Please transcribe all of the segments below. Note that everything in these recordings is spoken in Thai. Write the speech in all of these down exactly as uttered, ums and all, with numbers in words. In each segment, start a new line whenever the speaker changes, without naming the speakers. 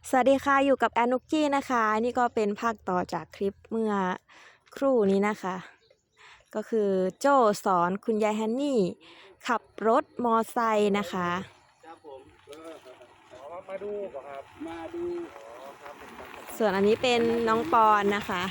สวัสดีค่ะอยู่กับแอนนุกกี้นะคะนี่ก็เป็นภาคต่อจากคลิปเมื่อครู่นี้นะคะ ก็คือโจ้สอนคุณยายฮันนี่ขับรถมอไซค์นะคะ
ครับผมอ๋อมาดูป่ะครับมาดูอ๋อครับผม
ส่วนอันนี้เป็นน้องปอนนะคะ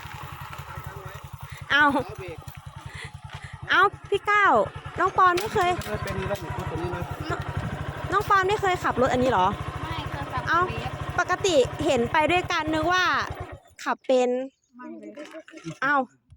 เอาเอาพี่ก้าวน้องปอนไม่เคย
เป็นรถตัวนี้เลย
น้องปอนไม่เคยขับรถอันนี้เหรอ
ไม่เคยขับ
เอา
เวฟ
ปกติเห็นไปด้วยกันนึกว่าขับเป็น
มั่งเลย
เอา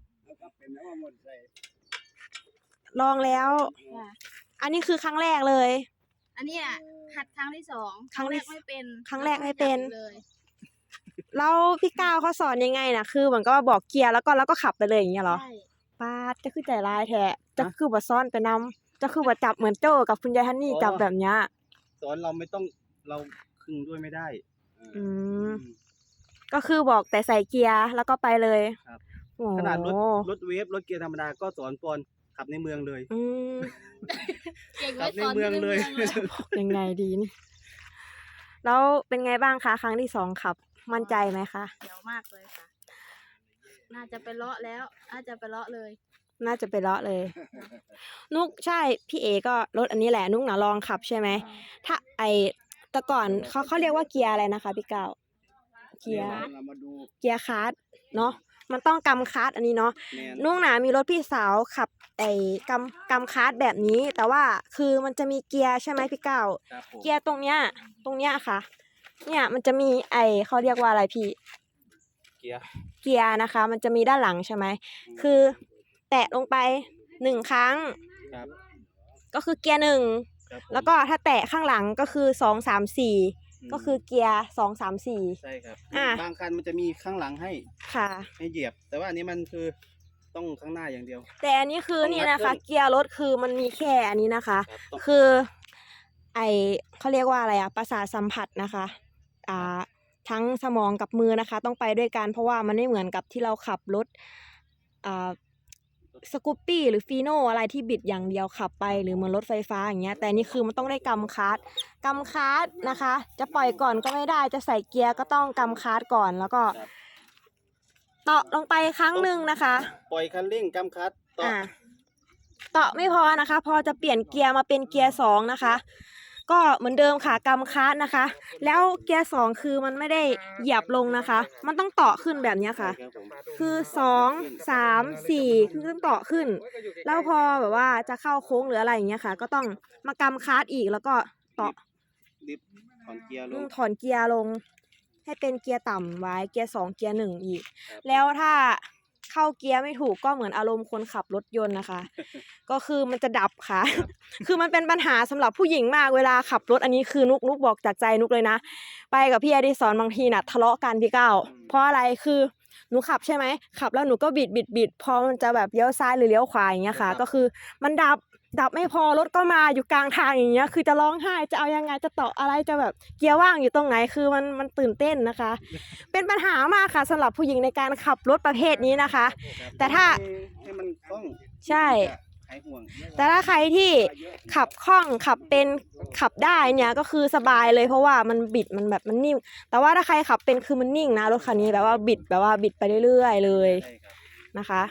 ลองแล้ว
ค่ะ
อันนี้คือครั้งแรกเลย
อันเนี้ยหัดครั้งที่สอง
ครั้งที่
แรกไม่เป็น
ครั้งแรกไม่เป็น
เลย
แล้วพี่ก้าวเขาสอนยังไงนะคือเหมือนก็บอกเกียร์แล้วก็แล้วก็ขับไปเลยอย่างเงี้ยเหรอ
ใช่
ปาดจะคือใจร้ายแท้จะคือบ่ซ่อนไปนำจะคือบ่จับเหมือนโจ้กับคุณยายฮันนี่จับแบบเนี้ย
สอนเราไม่ต้องเราคึงด้วยไม่ได้
อืมก็คือบอกแต่ใส่เกียร์แล้วก็ไปเลย
ครับ
โอ้
ขนาดรถรถเวฟรถเกียร์ธรรมดาก็สอนปอนขับในเมืองเลย
อืม
เก่ง
ขั
ไว้
บใน
สอน
เมืองเลย
ยังไงดีนี่แล้วเป็นไงบ้างคะครั้งที่สองขับมั่นใจไหมคะ
เดี๋ยวมากเลยค่ะ น่าจะไปเลาะแล้ว น่าจะไปเลาะเลย
น่าจะไปเลาะเลย นุกใช่พี่เอก็รถอันนี้แหละนุกนะลองขับใช่ไหมถ้าไอแต่ก่อนเขาเขาเรียกว่าเกียร์อะไรนะคะพี่ก้าวเกียร์
เรามาดู
เกียร์คาร์ดเนาะมันต้องกำคาร์ดอันนี้เนาะ
แมน
นุ่งหนามีรถพี่สาวขับไอ้กำกำคาร์ดแบบนี้ แต่ว่าคือมันจะมีเกียร์ใช่ไหมพี่ก้าว
ครับผม
เกียร์ตรงเนี้ยตรงเนี้ยค่ะ เนี่ยมันจะมีไอเขาเรียกว่าอะไรพี่
เกียร์
เกียร์นะคะ มันจะมีด้านหลังใช่ไหมคือ แตะลงไปหนึ่งครั้ง
ครับ
ก็คือเกียร์หนึ่ง
ครับผม
แล้วก็ถ้าแตะข้างหลังก็คือสองสามสี่
ม
ก็คือเกียร์สองสามสี่
ใช่ครับ
อ่ะ
บางคันมันจะมีข้างหลังให้
ค่ะ
ให้เหยียบ แต่ว่าอันนี้มันคือต้องข้างหน้าอย่างเดียว
แต่อันนี้คือ
ต้อง
นี่
งัด
นะคะ
ขึ้น
เกียร์รถคือมันมีแค่อันนี้นะคะ
ครับต้อง
คือ ไอเขาเรียกว่าอะไรอะประสาทสัมผัสนะคะอ่าทั้งสมองกับมือนะคะ ต้องไปด้วยกันเพราะว่ามันไม่เหมือนกับที่เราขับรถอ่าสกูปปี้หรือฟีโน่อะไรที่บิดอย่างเดียวขับไปหรือเหมือนรถไฟฟ้าอย่างเงี้ยแต่นี่คือมันต้องได้กำคลัตช์กำคลัตช์นะคะ จะปล่อยก่อนก็ไม่ได้จะใส่เกียร์ก็ต้องกำคลัตช์ก่อนแล้วก็
ครับ
เตาะลงไปครั้งหนึ่งนะคะ
ปล่อยคันเร่งกำคัดต่อ
อ่าเตาะไม่พอนะคะ พอจะเปลี่ยนเกียร์มาเป็นเกียร์สองนะคะ ก็เหมือนเดิมค่ะกำคลัตช์นะคะ แล้วเกียร์สองคือมันไม่ได้เหยียบลงนะคะ มันต้องเตาะขึ้นแบบเนี้ยค่ะ
ครับผม
คือสองสามสี่คือต้องเตาะขึ้น แล้วพอแบบว่าจะเข้าโค้งหรืออะไรอย่างเงี้ยค่ะ ก็ต้องมากำคลัตช์อีกแล้วก็เตาะ
ดิฟถอนเกียร์ล
อื
ง
มถอนเกียร์ลง ให้เป็นเกียร์ต่ำไว้เกียร์สองเกียร์หนึ่งอีก
ครับ
แล้วถ้าเข้าเกียร์ไม่ถูกก็เหมือนอารมณ์คนขับรถยนต์นะคะ ก็คือมันจะดับค่ะ คือมันเป็นปัญหาสำหรับผู้หญิงมากเวลาขับรถอันนี้คือนุกนุกบอกจากใจนุกเลยนะ ไปกับพี่อดิศรบางทีน่ะทะเลาะกันพี่ก้าวเพราะอะไรคือหนูขับใช่ไหมขับแล้วหนูก็บิดบิดบิดพอมันจะแบบเลี้ยวซ้ายหรือเลี้ยวขวาอย่างเงี้ยค่ะ ก็คือมันดับดับไม่พอรถก็มาอยู่กลางทางอย่างเงี้ยคือจะร้องไห้จะเอายังไงจะต่ออะไรจะแบบเกียร์ว่างอยู่ตรงไหนคือมันมันตื่นเต้นนะคะ เป็นปัญหามากค่ะสำหรับผู้หญิงในการขับรถประเภทนี้นะคะ แต่ถ้า
ให้มันคล่อง
ใช่
หายห่วง
แต่ถ้าใครที่ขับคล่องขับเป็นขับได้เนี่ยก็คือสบายเลยเพราะว่ามันบิดมันแบบมันนิ่มแต่ว่าถ้าใครขับเป็นคือมันนิ่งนะรถคันนี้แบบว่าบิดแบบว่าบิดไปเรื่อยๆเลย
ใช่ครับ
นะคะ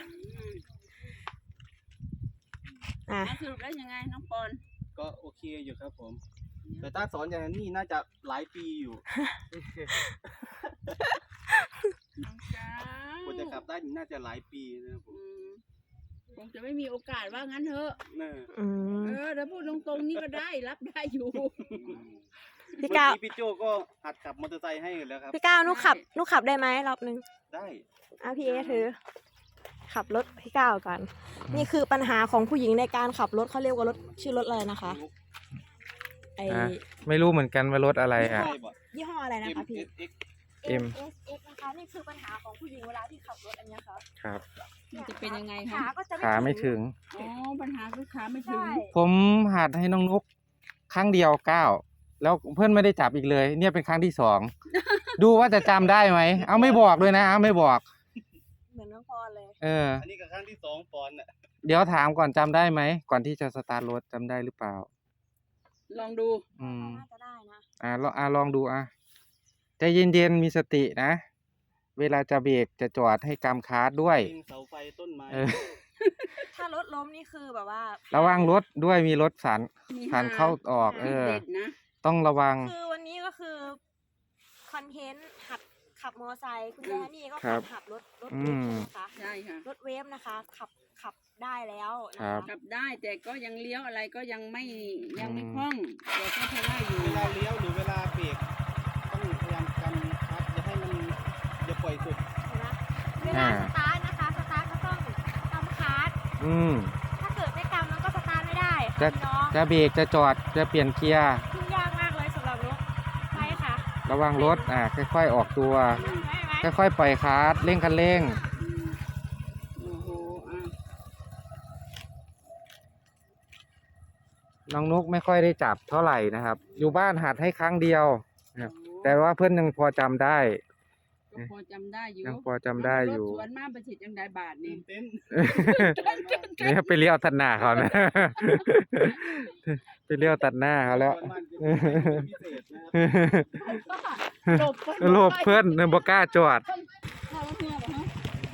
อ่ะ
สรุปแล้วยังไงน้องปอน
ก็โอเคอยู่ครับผม แต่ถ้าสอนอย่างนี้น่าจะหลายปีอยู่
น้องจ้าก
ว่าจะขับได้นี่น่าจะหลายปีนะครับผม
คงจะไม่มีโอกาสว่างั้นเถอะ
เน่ะ
อืม
เออเดี๋ยวพูดตรงๆนี่ก็ได้รับได้อยู่
พี่
เมื่อ
ก้าว
กี้พี่โจก็หัดขับมอเตอร์ไซค์ให้อยู่แล้วครับ
พี่ก้าวนุกขับนุกขับได้ไหมรอบนึง
ได้
อ่ะพี่เอถือ ขับรถพี่ก้าวก่อนนี่คือปัญหาของผู้หญิงในการขับรถเขาเรียกว่ารถชื่อรถอะไรนะคะไอ
อ่ะ ไม่รู้เหมือนกันว่ารถอะไรอ่ะ
ใช่บ่
ยี่ห้ออะไรนะคะพี่
เอ็ก
M
เอส เอ็กซ์ นะคะนี่คือปัญหาของผู้หญิงเวลาที่ขับรถอันเนี้ยครับ
ครับ
มันจะเป็นยังไง
ขา
คะ
ก็จะ
ขาไม่ถึง
อ๋อปัญหาคือขาไม่ถึง
ใช่
ผมหัดให้น้องนุกครั้งเดียวเก้าแล้วเพื่อนไม่ได้จับอีกเลย เนี่ยเป็นครั้งที่สอง ดูว่าจะจำได้ไหม เอาไม่บอกด้วยนะเอาไม่บอก
เหมือนน้องพรเลย
เออ
อันนี้ก็ครั้งที่สองปอนด์น่ะ
เดี๋ยวถามก่อนจำได้ไหม ก่อนที่จะสตาร์ทรถจำได้หรือเปล่า
ลองดู
อืม
น่าจะได้นะ
อ่าลองอ่าลองดูอ่ะใจเย็นๆมีสตินะ เวลาจะเบรกจะจอดให้กำคาร์ทด้วย
ยิงเสาไฟต้นไม้
เออ
ถ้ารถล้มนี่คือแบบว่า
ระวังรถด้วยมีรถสัน
มี
ผ่านเข้าออก เออ
เด็ดนะ
ต้องระวัง
คือวันนี้ก็คือคอนเทนต์หัดขับมอเตอร์ไซค์คุณยายนี่ก็
ครั
ขั
บ
บขับรถรถ
อื
เวฟ
ม
ใช่ไหมคะ
ใช่ค่ะ
รถเวฟนะคะ ขับขับได้แล้วนะ
ครั
คะ
บ
ขับได้แต่ก็ยังเลี้ยวอะไรก็ยังไม่ยังไม่
อืม
คล่องแต่ก็พอได้อยู่
เวลาเลี้ยวหรือเวลาเบรกต้องพยายามกำคัดอย่าให้มันอย่าปล่อยสุด
เห็นไหมเวลาสตาร์ทนะคะสตาร์ทก็ต้องกำคาร์ท
อืม
ถ้าเกิดไม่กำมันก็สตาร์ทไม่ได้
จะ
ค่ะพี่น้อง
จะเบรกจะจอดจะเปลี่ยนเกียร์
ขึ้นยากมากเลยสำหรับนกใช่ค่ะ
ระวังรถอ่าค่อยๆออกตัว
เห็นไหมเห็นไหม
ค่อยๆปล่อยคาร์ทเร่งคันเร่ง
อืมโอ้โหอ่ะ
น้องนุกไม่ค่อยได้จับเท่าไหร่นะครับ อยู่บ้านหัดให้ครั้งเดียวนะครับแต่ว่าเพื่อนยังพอจำได้
ก็พอจำได้อยู่
ยังพอจำได้อยู่
รถสวนมาประชิดยังได้บาทนี่
เต้น
เนี่ยไปเลี้ยวตัดหน้าเขานะ ไปเลี้ยวตัดหน้าเขาแล้ว
มันจะเป็นพิเศษนะครับ
หลบ
โลภเพื่อนเนี่ยบ่กล้าจอด
เข้ารถเมื่อเหรอฮะ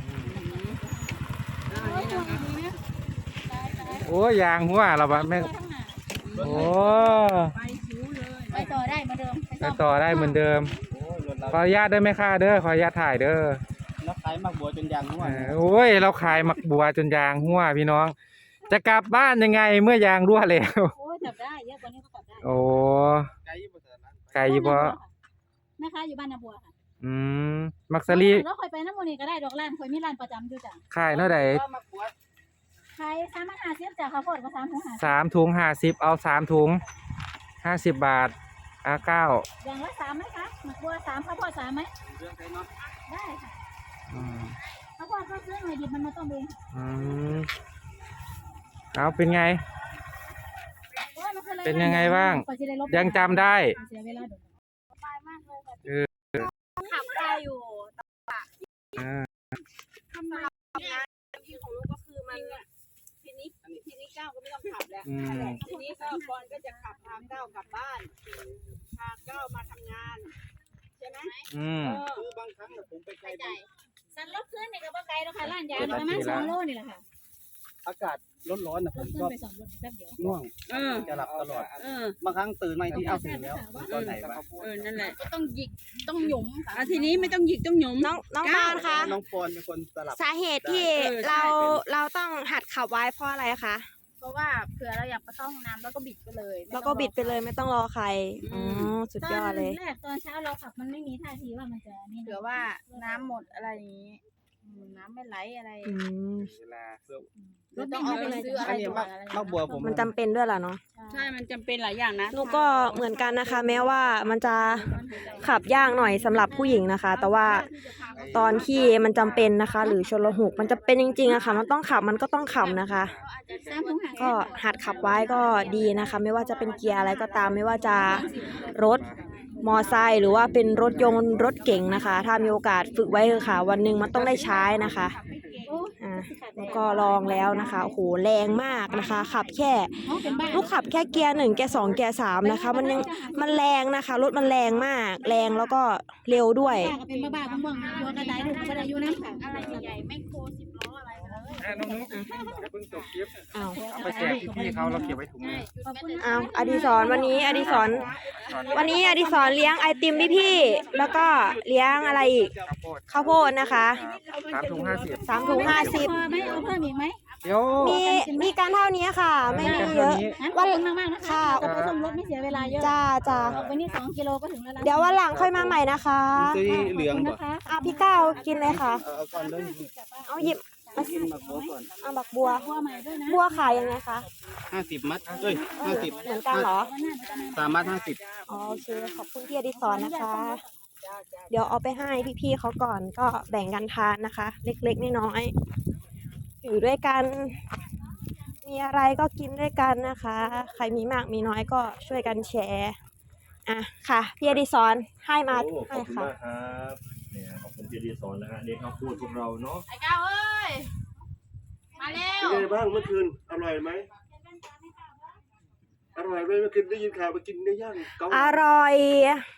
อืมอ่านี่นะคะ
โอ้ยยางหัวเราบะแม่งโอ้
ไปชิวเลย
ไปต่อได้เหมือนเดิม
ไปต่อได้เหมือนเดิม
โอ้ยรถเรา
ขออนุญาตได้ไหมค่ะเด้อขออนุญาตถ่ายเด้อ
นักขายมักบัวจนยางรั่ว
เออโอ้ยเราขายหมักบัวจนยางหัวพี่น้อง จะกลับบ้านยังไงเมื่อยางรั่วแล้ว
โอ้ยจับได้เยอะกว่านี้ก็จับได้
โอ้
ไกลอยู่บ่เถอะนะ
ไกลอยู่เพราะ
แม่ค้าอยู่บ้านนาบัวค่ะ
อืมมักสลี
แล้วคอยไปน้ำมันนี่ก็ได้ดอกล้านคอยมีร้านประจำอยู่จ้ะ
ขายเท่าไหร่
ก็มักบัว
ขายสามพันห้าสิบจ้ะข้าวโพดก็สามพันห้า
สามถุงห้าสิบเอาสามถุงห้าสิบบาทอ่ะเก้า
อย่างละสามไหมคะหมักบัวสามข้าวโพดสามไหม
เรื่องไกลเนาะ
ได้ค่ะ
อืม
ข้าวโพดก็ซื้อหน่อยหยิบมันมาต้มเอง
อืมเอาเป็นไง
โอ้ยมันคืออะไร
เป็นยังไงบ้าง
กว่าจะได้ลบ
ยังจำได้
เสียเวลาเดี๋ยว
สบายมากเลยค่ะ
เออ
ขับได้อยู่
อ่า
ทำงานที่ของลูกก็คือมัน
ทีนี้ทีนี้ก้าวก็ไม่ต้องขับแล้ว
อืม
ทีนี้ก็บอลก็จะขับพาก้าวกลับบ้านพาก้าวมาทำงานใช่ไหม
อืม
เออ
คือบางครั้งน่ะผมไปไกลบาง
สันรถขึ้นนี่ก็บ่ไกลแล้วค่ะร้านยางนี่ประมาณสองโลนี่แหละค่ะ
อากาศร้อนๆน่ะผ
ร
ม
ถขึ้น
ก็
ไปสองรถแป๊บเดียว
ง่วง
เออ
จะหลับตลอด
เออ
บางครั้งตื่นมาอีกทีเอ้าถึงแล้วตอนไหนวะ
เออ นั่นแหละ ก็ต้องหยิก ต้องหยุมอ่ะทีนี้ไม่ต้องหยิกต้องหยุม
น้องน้อง
ก้าว
ปานคะ
น้องปอนเป็นคนสลับ
สาเหตุที่
เออใช่
เราเราต้องหัดขับไว้เพราะอะไรคะ
เพราะว่าเผื่อเราอยากไปเข้าห้องน้ำแล้วก็บิดไปเลยไม่
แล้ว
ต้อง
ก็บิดไปเลยไม่ต้องรอใครอ๋อสุดยอดเลย
ตอนแรกตอนเช้าเราขับมันไม่มีท่าทีว่ามันจะนี่นะ
เผื่อว่าน้ำหมดอะไรอย่างนี้อืมน้ำไม่ไหลอะไร
อืม
เวลาเพื่อ
รถต้องเอาไปเลย
ซื้ออะไร
อันนี้มักมักบัวผม
มันจำเป็นด้วยล่ะเนาะ
ใช่ มันจำเป็นหลายอย่างนะ
หนูก็เหมือนกันนะคะ แม้ว่ามันจะขับยากหน่อยสำหรับผู้หญิงนะคะ แต่ว่าตอนที่มันจำเป็นนะคะ หรือชนละหุกมันจะเป็นจริงๆอะค่ะ มันต้องขับมันก็ต้องขับนะคะ
สามถุงหา
ก็หัดขับไว้ก็ดีนะคะ ไม่ว่าจะเป็นเกียร์อะไรก็ตาม ไม่ว่าจะรถมอไซค์หรือว่าเป็นรถยนต์รถเก๋งนะคะ ถ้ามีโอกาสฝึกไว้เถอะค่ะ วันหนึ่งมันต้องได้ใช้นะคะ
โอ้
อ่าแล้วก็ลองแล้วนะคะโอ้โหแรงมากนะคะ ขับแค่
น้องเป็นบ้า
ลูกขับแค่เกียร์หนึ่งเกียร์สองเกียร์สามนะคะ มันยังมันแรงนะคะ รถมันแรงมาก แรงแล้วก็เร็วด้วย
ป้าก็เป็นบ้าๆบ้างๆตัวกระไดลูกก็ได้อยู่นั่นค่ะ
อะไรใหญ่ๆไม่โคสิบล้ออะไรไปเลย
อ่ะน้องนุ๊กอย่าเพิ่งจบคลิป
อ้าว
เอาไปแจกพี่ๆเขาเราเก็บไว้ถุงนึง
ขอบคุณนะ
อ้าวอดิศรวันนี้อดิศรวันนี้อดิศรเลี้ยงไอติมพี่ๆแล้วก็เลี้ยงอะไรอีก
ข้าวโพด
ข้าวโพดนะคะ
สามถุงห้าสิบ
สามถุงห้าสิบ
พอไหมเอาเพิ่มอีกไหม
เดี๋ยว
มีมีการเท่านี้ค่ะ ไม่มีเยอะ
งั้นขอบคุณมากๆนะคะ
ค่ะ
จะไปส่งรถไม่เสียเวลาเยอะ
จ้าจ้า
ออกไปนี่สองกิโลก็ถึงแล้วนะ
เดี๋ยววันหลังค่อยมาใหม่นะคะ
ซื้อเหลือง
ขบคุณ
บ่
นะคะ
อ่ะพี่ก้าวกินเลยค่ะ
เอาเอาก่อนเลย
เอาหยิบมา
กินมักบัวก่อน
เอาบักบัว
บัวใหม่ด้วยนะ
บัวขายยังไงคะ
ห้าสิบมัดเอ้ยห้าสิบ
เหมือนกันเหรอ
วันหน้าหนูจะมา
สามมัดห้าสิบ
อ๋อโอเคขอบคุณพี่อดิศรนะคะ เดี๋ยวเอาไปให้พี่ๆเขาก่อนก็แบ่งกันทานนะคะ เล็กๆน้อยๆอยู่ด้วยกัน มีอะไรก็กินด้วยกันนะคะ ใครมีมากมีน้อยก็ช่วยกันแชร์อ่ะค่ะพี่อดิศรให้มา
โอ้ข
ให้
อบคุณ
ค่ะ
มากครับเนี่ยขอบคุณพี่ดีสอนนะฮะเด็กข้าวโพดพวกเราเนาะ
ไอ้ก้าวเอ้ย มาเร็ว
เป็นไงบ้างเมื่อคืนอร่อยไหมอร่อยไหมเมื่อคืนได้ยินข่าวไปกินเนื้อย่างเกา
อร่อย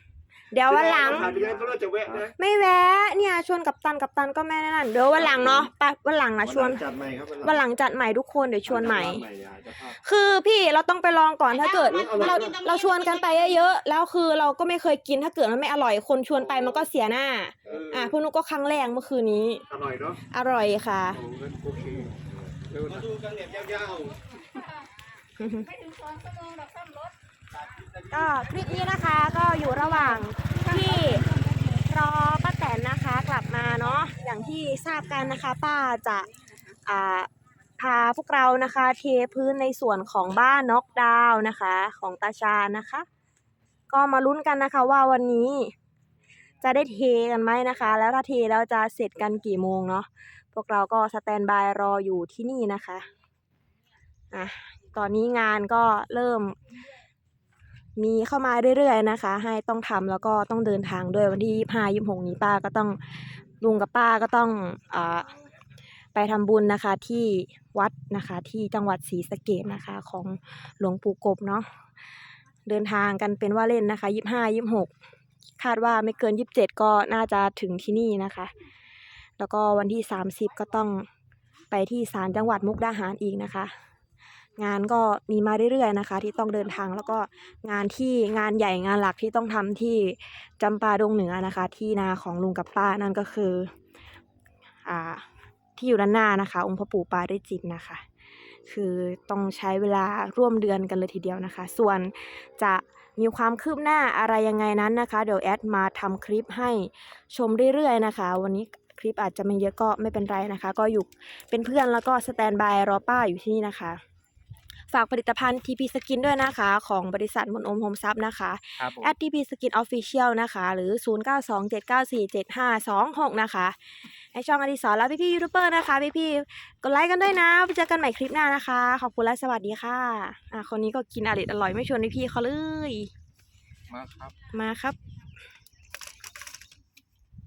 เดี๋ยววันหลัง
ผ่านไปยังก็เลิกจะแวะนะ
ไม่แวะเนี่ยชวนกับตันกับตันก็ไม่นั่นเดี๋ยววันหลังเนาะไปวันหลังนะชวน
จัดใหม่ครับ
วันหลังจัดใหม่ทุกคนเดี๋ยวชวนใหม่
ใหม่อ่ะเจ้าภาพ
คือพี่เราต้องไปลองก่อนถ้าเกิดเราเราชวนกันไปเยอะๆแล้วคือเราก็ไม่เคยกินถ้าเกิดมันไม่อร่อยคนชวนไปมันก็เสียหน้า
เออ
อ่ะพวกนุกก็ครั้งแรกเมื่อคืนนี้
อร่อยเนาะ
อร่อยค่ะ
โอ้งั้นโอเคมาดูกันแบบยาว
ไม่ถึงสองชั่วโมงดอกซ่อมรถ
ก็คลิปนี้นะคะก็อยู่ระหว่างที่รอป้าแตนนะคะกลับมาเนาะอย่างที่ทราบกันนะคะ ป้าจะอ่าพาพวกเรานะคะเทพื้นในส่วนของบ้านน็อกดาวน์นะคะ ของตาชาญนะคะ ก็มาลุ้นกันนะคะว่าวันนี้จะได้เทกันไหมนะคะ แล้วถ้าเทแล้วจะเสร็จกันกี่โมงเนาะพวกเราก็สแตนบายรออยู่ที่นี่นะคะอ่ะตอนนี้งานก็เริ่มมีเข้ามาเรื่อยๆนะคะ ให้ต้องทำแล้วก็ต้องเดินทางด้วยวันที่ยี่สิบห้า ยี่สิบหกนี้ป้าก็ต้องลุงกับป้าก็ต้องอ่าไปทำบุญนะคะที่วัดนะคะที่จังหวัดศรีสะเกษนะคะของหลวงปู่กบเนาะเดินทางกันเป็นว่าเล่นนะคะยี่สิบห้า ยี่สิบหกคาดว่าไม่เกินยี่สิบเจ็ดก็น่าจะถึงที่นี่นะคะแล้วก็วันที่สามสิบก็ต้องไปที่ศาลจังหวัดมุกดาหารอีกนะคะงานก็มีมาเรื่อยๆนะคะที่ต้องเดินทางแล้วก็งานที่งานใหญ่งานหลักที่ต้องทำที่จำปาดงเหนือนะคะที่นาของลุงกับป้านั่นก็คืออ่าที่อยู่ด้านหน้านะคะองค์พระปู่ปาริจิตรนะคะคือต้องใช้เวลาร่วมเดือนกันเลยทีเดียวนะคะส่วนจะมีความคืบหน้าอะไรยังไงนั้นนะคะเดี๋ยวแอดมาทำคลิปให้ชมเรื่อยๆนะคะวันนี้คลิปอาจจะไม่เยอะก็ไม่เป็นไรนะคะก็อยู่เป็นเพื่อนแล้วก็สแตนบายรอป้าอยู่ที่นี่นะคะฝากผลิตภัณฑ์ ที พี Skin ด้วยนะคะของบริษัทมนโอมโฮมซับนะคะ
ครับผม
แอท ที พี Skin Official นะคะหรือ ศูนย์ เก้า สอง เจ็ด เก้า สี่ เจ็ด ห้า สอง หก นะคะในช่องอดิศรและพี่ๆยูทูบเบอร์นะคะพี่ๆกดไลค์กันด้วยนะไปเจอกันใหม่คลิปหน้านะคะขอบคุณและสวัสดีค่ะอ่ะคนนี้ก็กินอร่อยอร่อยไม่ชวนพี่ๆเขาเลย
มาครับ
มาครับ